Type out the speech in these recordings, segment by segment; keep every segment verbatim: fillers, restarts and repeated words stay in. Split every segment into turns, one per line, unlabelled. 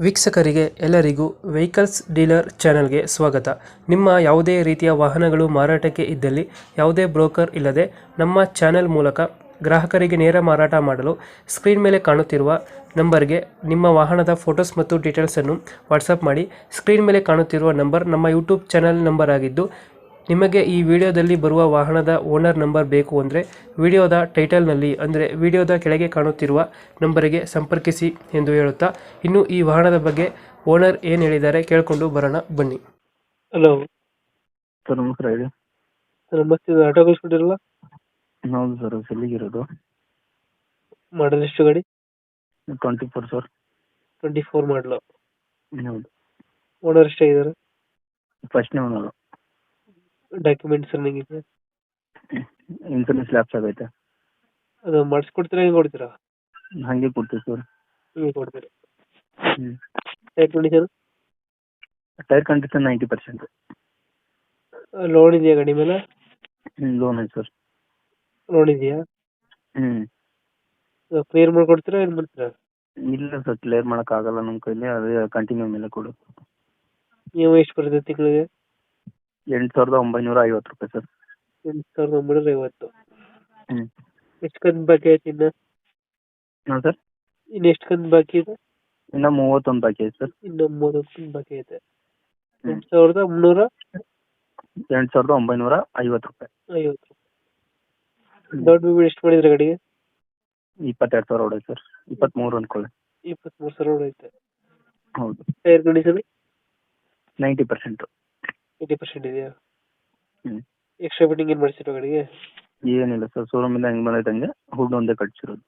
ವೀಕ್ಷಕರಿಗೆ ಎಲ್ಲರಿಗೂ vehicles dealer ಚಾನೆಲ್ಗೆ ಸ್ವಾಗತ. ನಿಮ್ಮ ಯಾವುದೇ ರೀತಿಯ ವಾಹನಗಳು ಮಾರಾಟಕ್ಕೆ ಇದ್ದಲ್ಲಿ ಯಾವುದೇ ಬ್ರೋಕರ್ ಇಲ್ಲದೆ ನಮ್ಮ ಚಾನೆಲ್ ಮೂಲಕ ಗ್ರಾಹಕರಿಗೆ ನೇರ ಮಾರಾಟ ಮಾಡಲು ಸ್ಕ್ರೀನ್ ಮೇಲೆ ಕಾಣುತ್ತಿರುವ ನಂಬರ್ಗೆ ನಿಮ್ಮ ವಾಹನದ ಫೋಟೋಸ್ ಮತ್ತು ಡೀಟೇಲ್ಸನ್ನು ವಾಟ್ಸಪ್ ಮಾಡಿ. ಸ್ಕ್ರೀನ್ ಮೇಲೆ ಕಾಣುತ್ತಿರುವ ನಂಬರ್ ನಮ್ಮ ಯೂಟ್ಯೂಬ್ ಚಾನೆಲ್ ನಂಬರ್ ಆಗಿದ್ದು, ನಿಮಗೆ ಈ ವಿಡಿಯೋದಲ್ಲಿ ಬರುವ ವಾಹನದ ಓನರ್ ನಂಬರ್ ಬೇಕು ಅಂದರೆ ವಿಡಿಯೋದ ಟೈಟಲ್ನಲ್ಲಿ ಅಂದರೆ ವಿಡಿಯೋದ ಕೆಳಗೆ ಕಾಣುತ್ತಿರುವ ನಂಬರಿಗೆ ಸಂಪರ್ಕಿಸಿ ಎಂದು ಹೇಳುತ್ತಾ, ಇನ್ನು ಈ ವಾಹನದ ಬಗ್ಗೆ ಓನರ್ ಏನು ಹೇಳಿದ್ದಾರೆ ಕೇಳಿಕೊಂಡು ಬರೋಣ ಬನ್ನಿ. ಹಲೋ
ಸರ್ ನಮಸ್ಕಾರ ಹೇಳಿ.
ಸರ್ ನಮಸ್ತೆ, ಆಟೋ ಕಳಿಸ್ಬಿಟ್ಟಿರಲ್ಲ?
ಹೌದು ಸರ್, ಎಲ್ಲಿಗಿರೋದು?
ಮಾಡಲ್ ಎಷ್ಟು ಗಾಡಿ?
Twenty four sir.
Twenty four model.
ಹೌದು.
ಓನರ್ ಎಷ್ಟಾಗಿದ್ದಾರೆ?
ಫಸ್ಟ್ನೇ ಓನರು.
ಡಾಕ್ಯುಮೆಂಟ್ಸ್ ರನ್ನಿಂಗ್ ಇದೆ?
ಇನ್ಸೂರೆನ್ಸ್ ಲ್ಯಾಪ್ಸ್ ಆಗೈತೆ.
ಅದು ಮಾಡಿಸ್ಕೊಡ್ತೀರಾ, ಹೆಂಗೆ ಕೊಡ್ತೀರಾ?
ಹಾಗೆ ಕೊಡ್ತೀವಿ ಸರ್.
ಹಿಂಗೆ ಕೊಡ್ತೀರಾ?
ಹ್ಞೂ.
Tyre condition?
Tyre condition ninety percent.
Loan ಇದೆಯಾ ಗಾಡಿ ಮೇಲೆ?
ಹ್ಞೂ, ಲೋನ್ ಐತೆ ಸರ್.
ಲೋನ್ ಇದೆಯಾ?
ಹ್ಞೂ.
ಕ್ಲಿಯರ್ ಮಾಡ್ಕೊಡ್ತೀರಾ, ಏನು ಮಾಡ್ತೀರಾ?
ಇಲ್ಲ ಸರ್, ಕ್ಲಿಯರ್ ಮಾಡೋಕ್ಕಾಗಲ್ಲ ನಮ್ಮ ಕೈಲಿ, ಅದೇ ಕಂಟಿನ್ಯೂ ಮೇಲೆ ಕೊಡು.
ನೀವು ಎಷ್ಟು ಬರುತ್ತೆ ತಿಂಗಳಿಗೆ?
ಎಂಟು ಸಾವಿರದ ಒಂಬೈನೂರ ಐವತ್ತು ರೂಪಾಯಿ ಸರ್.
ಎಂಟು ಸಾವಿರದ ಒಂಬೈನೂರ ಐವತ್ತು.
ಹ್ಞೂ.
ಎಷ್ಟು ಕಂತು ಬಾಕಿ ಐತೆ ಇನ್ನು?
ಹಾಂ ಸರ್.
ಇನ್ನು ಎಷ್ಟು ಕಂತು ಬಾಕಿ ಇದೆ?
ಇನ್ನು ಮೂವತ್ತೊಂದು ಬಾಕಿ ಐತೆ ಸರ್.
ಇನ್ನು ಮೂವತ್ತೊಂದು ಕಂತು ಬಾಕಿ ಐತೆ. ಎಂಟು ಸಾವಿರದ ಮುನ್ನೂರ
ಎಂಟು ಸಾವಿರದ ಒಂಬೈನೂರ ಐವತ್ತು ರೂಪಾಯಿ.
ಐವತ್ತು. ದೊಡ್ಡ ಬಿಲ್ ಎಷ್ಟು ಮಾಡಿದ್ರೆ ಗಾಡಿಗೆ?
ಇಪ್ಪತ್ತೆರಡು ಸಾವಿರ ಹೊಡೆಯುತ್ತೆ ಸರ್. ಇಪ್ಪತ್ತ್ಮೂರು ಅಂದ್ಕೊಳ್ಳಿ.
ಇಪ್ಪತ್ತ್ಮೂರು ಸಾವಿರ ಹೊಡೆಯುತ್ತೆ.
ಹೌದು.
Tyre condition?
Ninety percent.
Eighty percent ಇದೆಯಾ?
ಹ್ಞೂ.
ಎಕ್ಸ್ಟ್ರಾ ಫಿಟ್ಟಿಂಗ್ ಏನು ಮಾಡಿಸಿರೋ ಗಾಡಿಗೆ?
ಏನಿಲ್ಲ ಸರ್, ಶೋರೂಮಿಂದ ಹೆಂಗೆ ಬಂದೈತೆ ಹುಡ್ ಒಂದೇ ಕಟ್ಸಿರೋದು.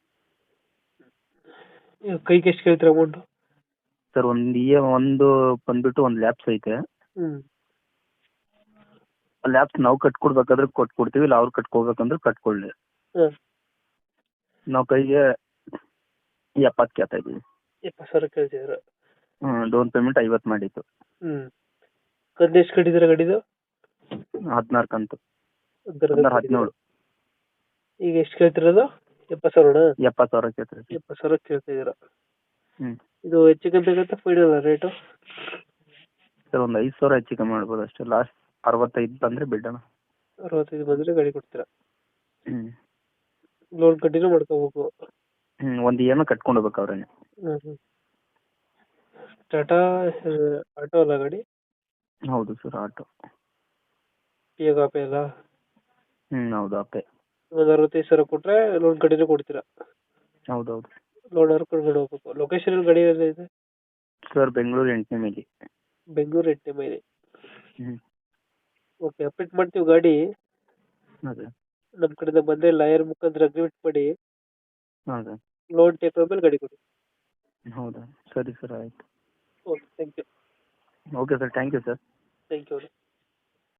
ಕೈಗೆ ಎಷ್ಟು ಕೇಳ್ತೀರಾ ಅಮೌಂಟು?
ಸರ್ ಒಂದು ಇ ಒಂದು ಬಂದ್ಬಿಟ್ಟು ಒಂದು ಲ್ಯಾಬ್ಸ್ ಐತೆ.
ಹ್ಞೂ.
ಆ ಲ್ಯಾಬ್ಸ್ ನಾವು ಕಟ್ಕೊಡ್ಬೇಕಾದ್ರೆ ಕೊಟ್ಕೊಡ್ತೀವಿ, ಇಲ್ಲ ಅವ್ರು ಕಟ್ಕೋಬೇಕಂದ್ರೆ ಕಟ್ಕೊಳ್ಳಿ.
ಹಾಂ.
ನಾವು ಕೈಗೆ ಎಪ್ಪತ್ತು ಕೇಳ್ತಾ ಇದ್ದೀವಿ.
ಎಪ್ಪತ್ತು ಸಾವಿರ ಕೇಳ್ತಿದ್ದೀರಾ?
ಹ್ಞೂ. ಡೌನ್ ಪೇಮೆಂಟ್ ಐವತ್ತು ಮಾಡಿತ್ತು.
ಹ್ಞೂ. ಕಂತು ಎಷ್ಟು ಕಟ್ಟಿದ್ದೀರಾ ಗಾಡಿದು?
ಹದಿನಾರು ಕಂತು.
ಹದಿನಾರು
ಹದಿನಾರು ಹದಿನೇಳು.
ಈಗ ಎಷ್ಟು ಕೇಳ್ತಿರೋದು? ಎಪ್ಪತ್ತು ಸಾವಿರನಾ?
ಎಪ್ಪತ್ತು ಸಾವಿರ ಕೇಳ್ತಾ ಇದ್ದೀವಿ.
ಎಪ್ಪತ್ತು ಸಾವಿರ ಕೇಳ್ತಿದ್ದೀರಾ?
ಹ್ಞೂ.
ಇದು ಹೆಚ್ಚು ಕಮ್ಮಿ ಆಗುತ್ತೆ ಫೈನಲ್ ರೇಟು?
ಸರ್ ಒಂದು ಐದು ಸಾವಿರ ಹೆಚ್ಚು ಕಮ್ಮಿ ಮಾಡ್ಬೋದು ಅಷ್ಟೇ. ಲಾಸ್ಟ್ ಅರವತ್ತೈದು ಬಂದರೆ ಬಿಡೋಣ.
ಅರವತ್ತೈದು ಬಂದರೆ ಗಾಡಿ ಕೊಡ್ತೀರಾ?
ಹ್ಞೂ.
ಲೋನ್ ಕಂಟಿನ್ಯೂ ಮಾಡ್ಕೋಬೇಕು.
ಹ್ಞೂ. ಒಂದು ಇ ಎಮ್ ಐ ಕಟ್ಕೊಂಡು ಹೋಗ್ಬೇಕು ಅವ್ರೇನೆ.
ಹ್ಞೂ ಹ್ಞೂ. ಟಾಟಾ ಆಟೋ ಅಲ್ಲ ಗಾಡಿ?
ಹೌದು ಸರ್, ಆಟೋ.
ಇವಾಗ ಆಪೆ ಅಲ್ಲ?
ಹ್ಞೂ, ಹೌದು ಆಪೆ.
ಒಂದು ಅರವತ್ತೈದು ಸಾವಿರ ಕೊಟ್ಟರೆ ಲೋನ್ ಕಂಟಿನ್ಯೂ ಕೊಡ್ತೀರಾ?
ಹೌದೌದು.
ಲೋನ್ ಅವ್ರು ಕರ್ಕೊಂಡು ಹೋಗ್ಬೇಕು. ಲೊಕೇಶನ್ ಗಾಡಿ ಎಲ್ಲ ಇದೆ?
ಸರ್ ಬೆಂಗಳೂರು ಎಂಟನೇ ಮೈಲಿ.
ಬೆಂಗಳೂರು ಎಂಟನೇ ಮೈಲಿ.
ಹ್ಞೂ.
ಓಕೆ, ಅಪ್ಡೇಟ್ ಮಾಡ್ತೀವಿ ಗಾಡಿ.
ಅದೇ.
ನಮ್ಮ ಕಡೆಯಿಂದ ಬಂದರೆ ಲಾಯರ್ ಮುಖಾಂತರ ಅಗ್ರಿಮೆಂಟ್ ಮಾಡಿ
ಹಾಂ ಸರ್.
ಲೋನ್ ಟೇಕ್ ಮೇಲೆ ಗಾಡಿ ಕೊಡಿ.
ಹೌದಾ? ಸರಿ ಸರ್, ಆಯಿತು.
Okay, thank you.
Okay sir, thank you sir.
Thank you.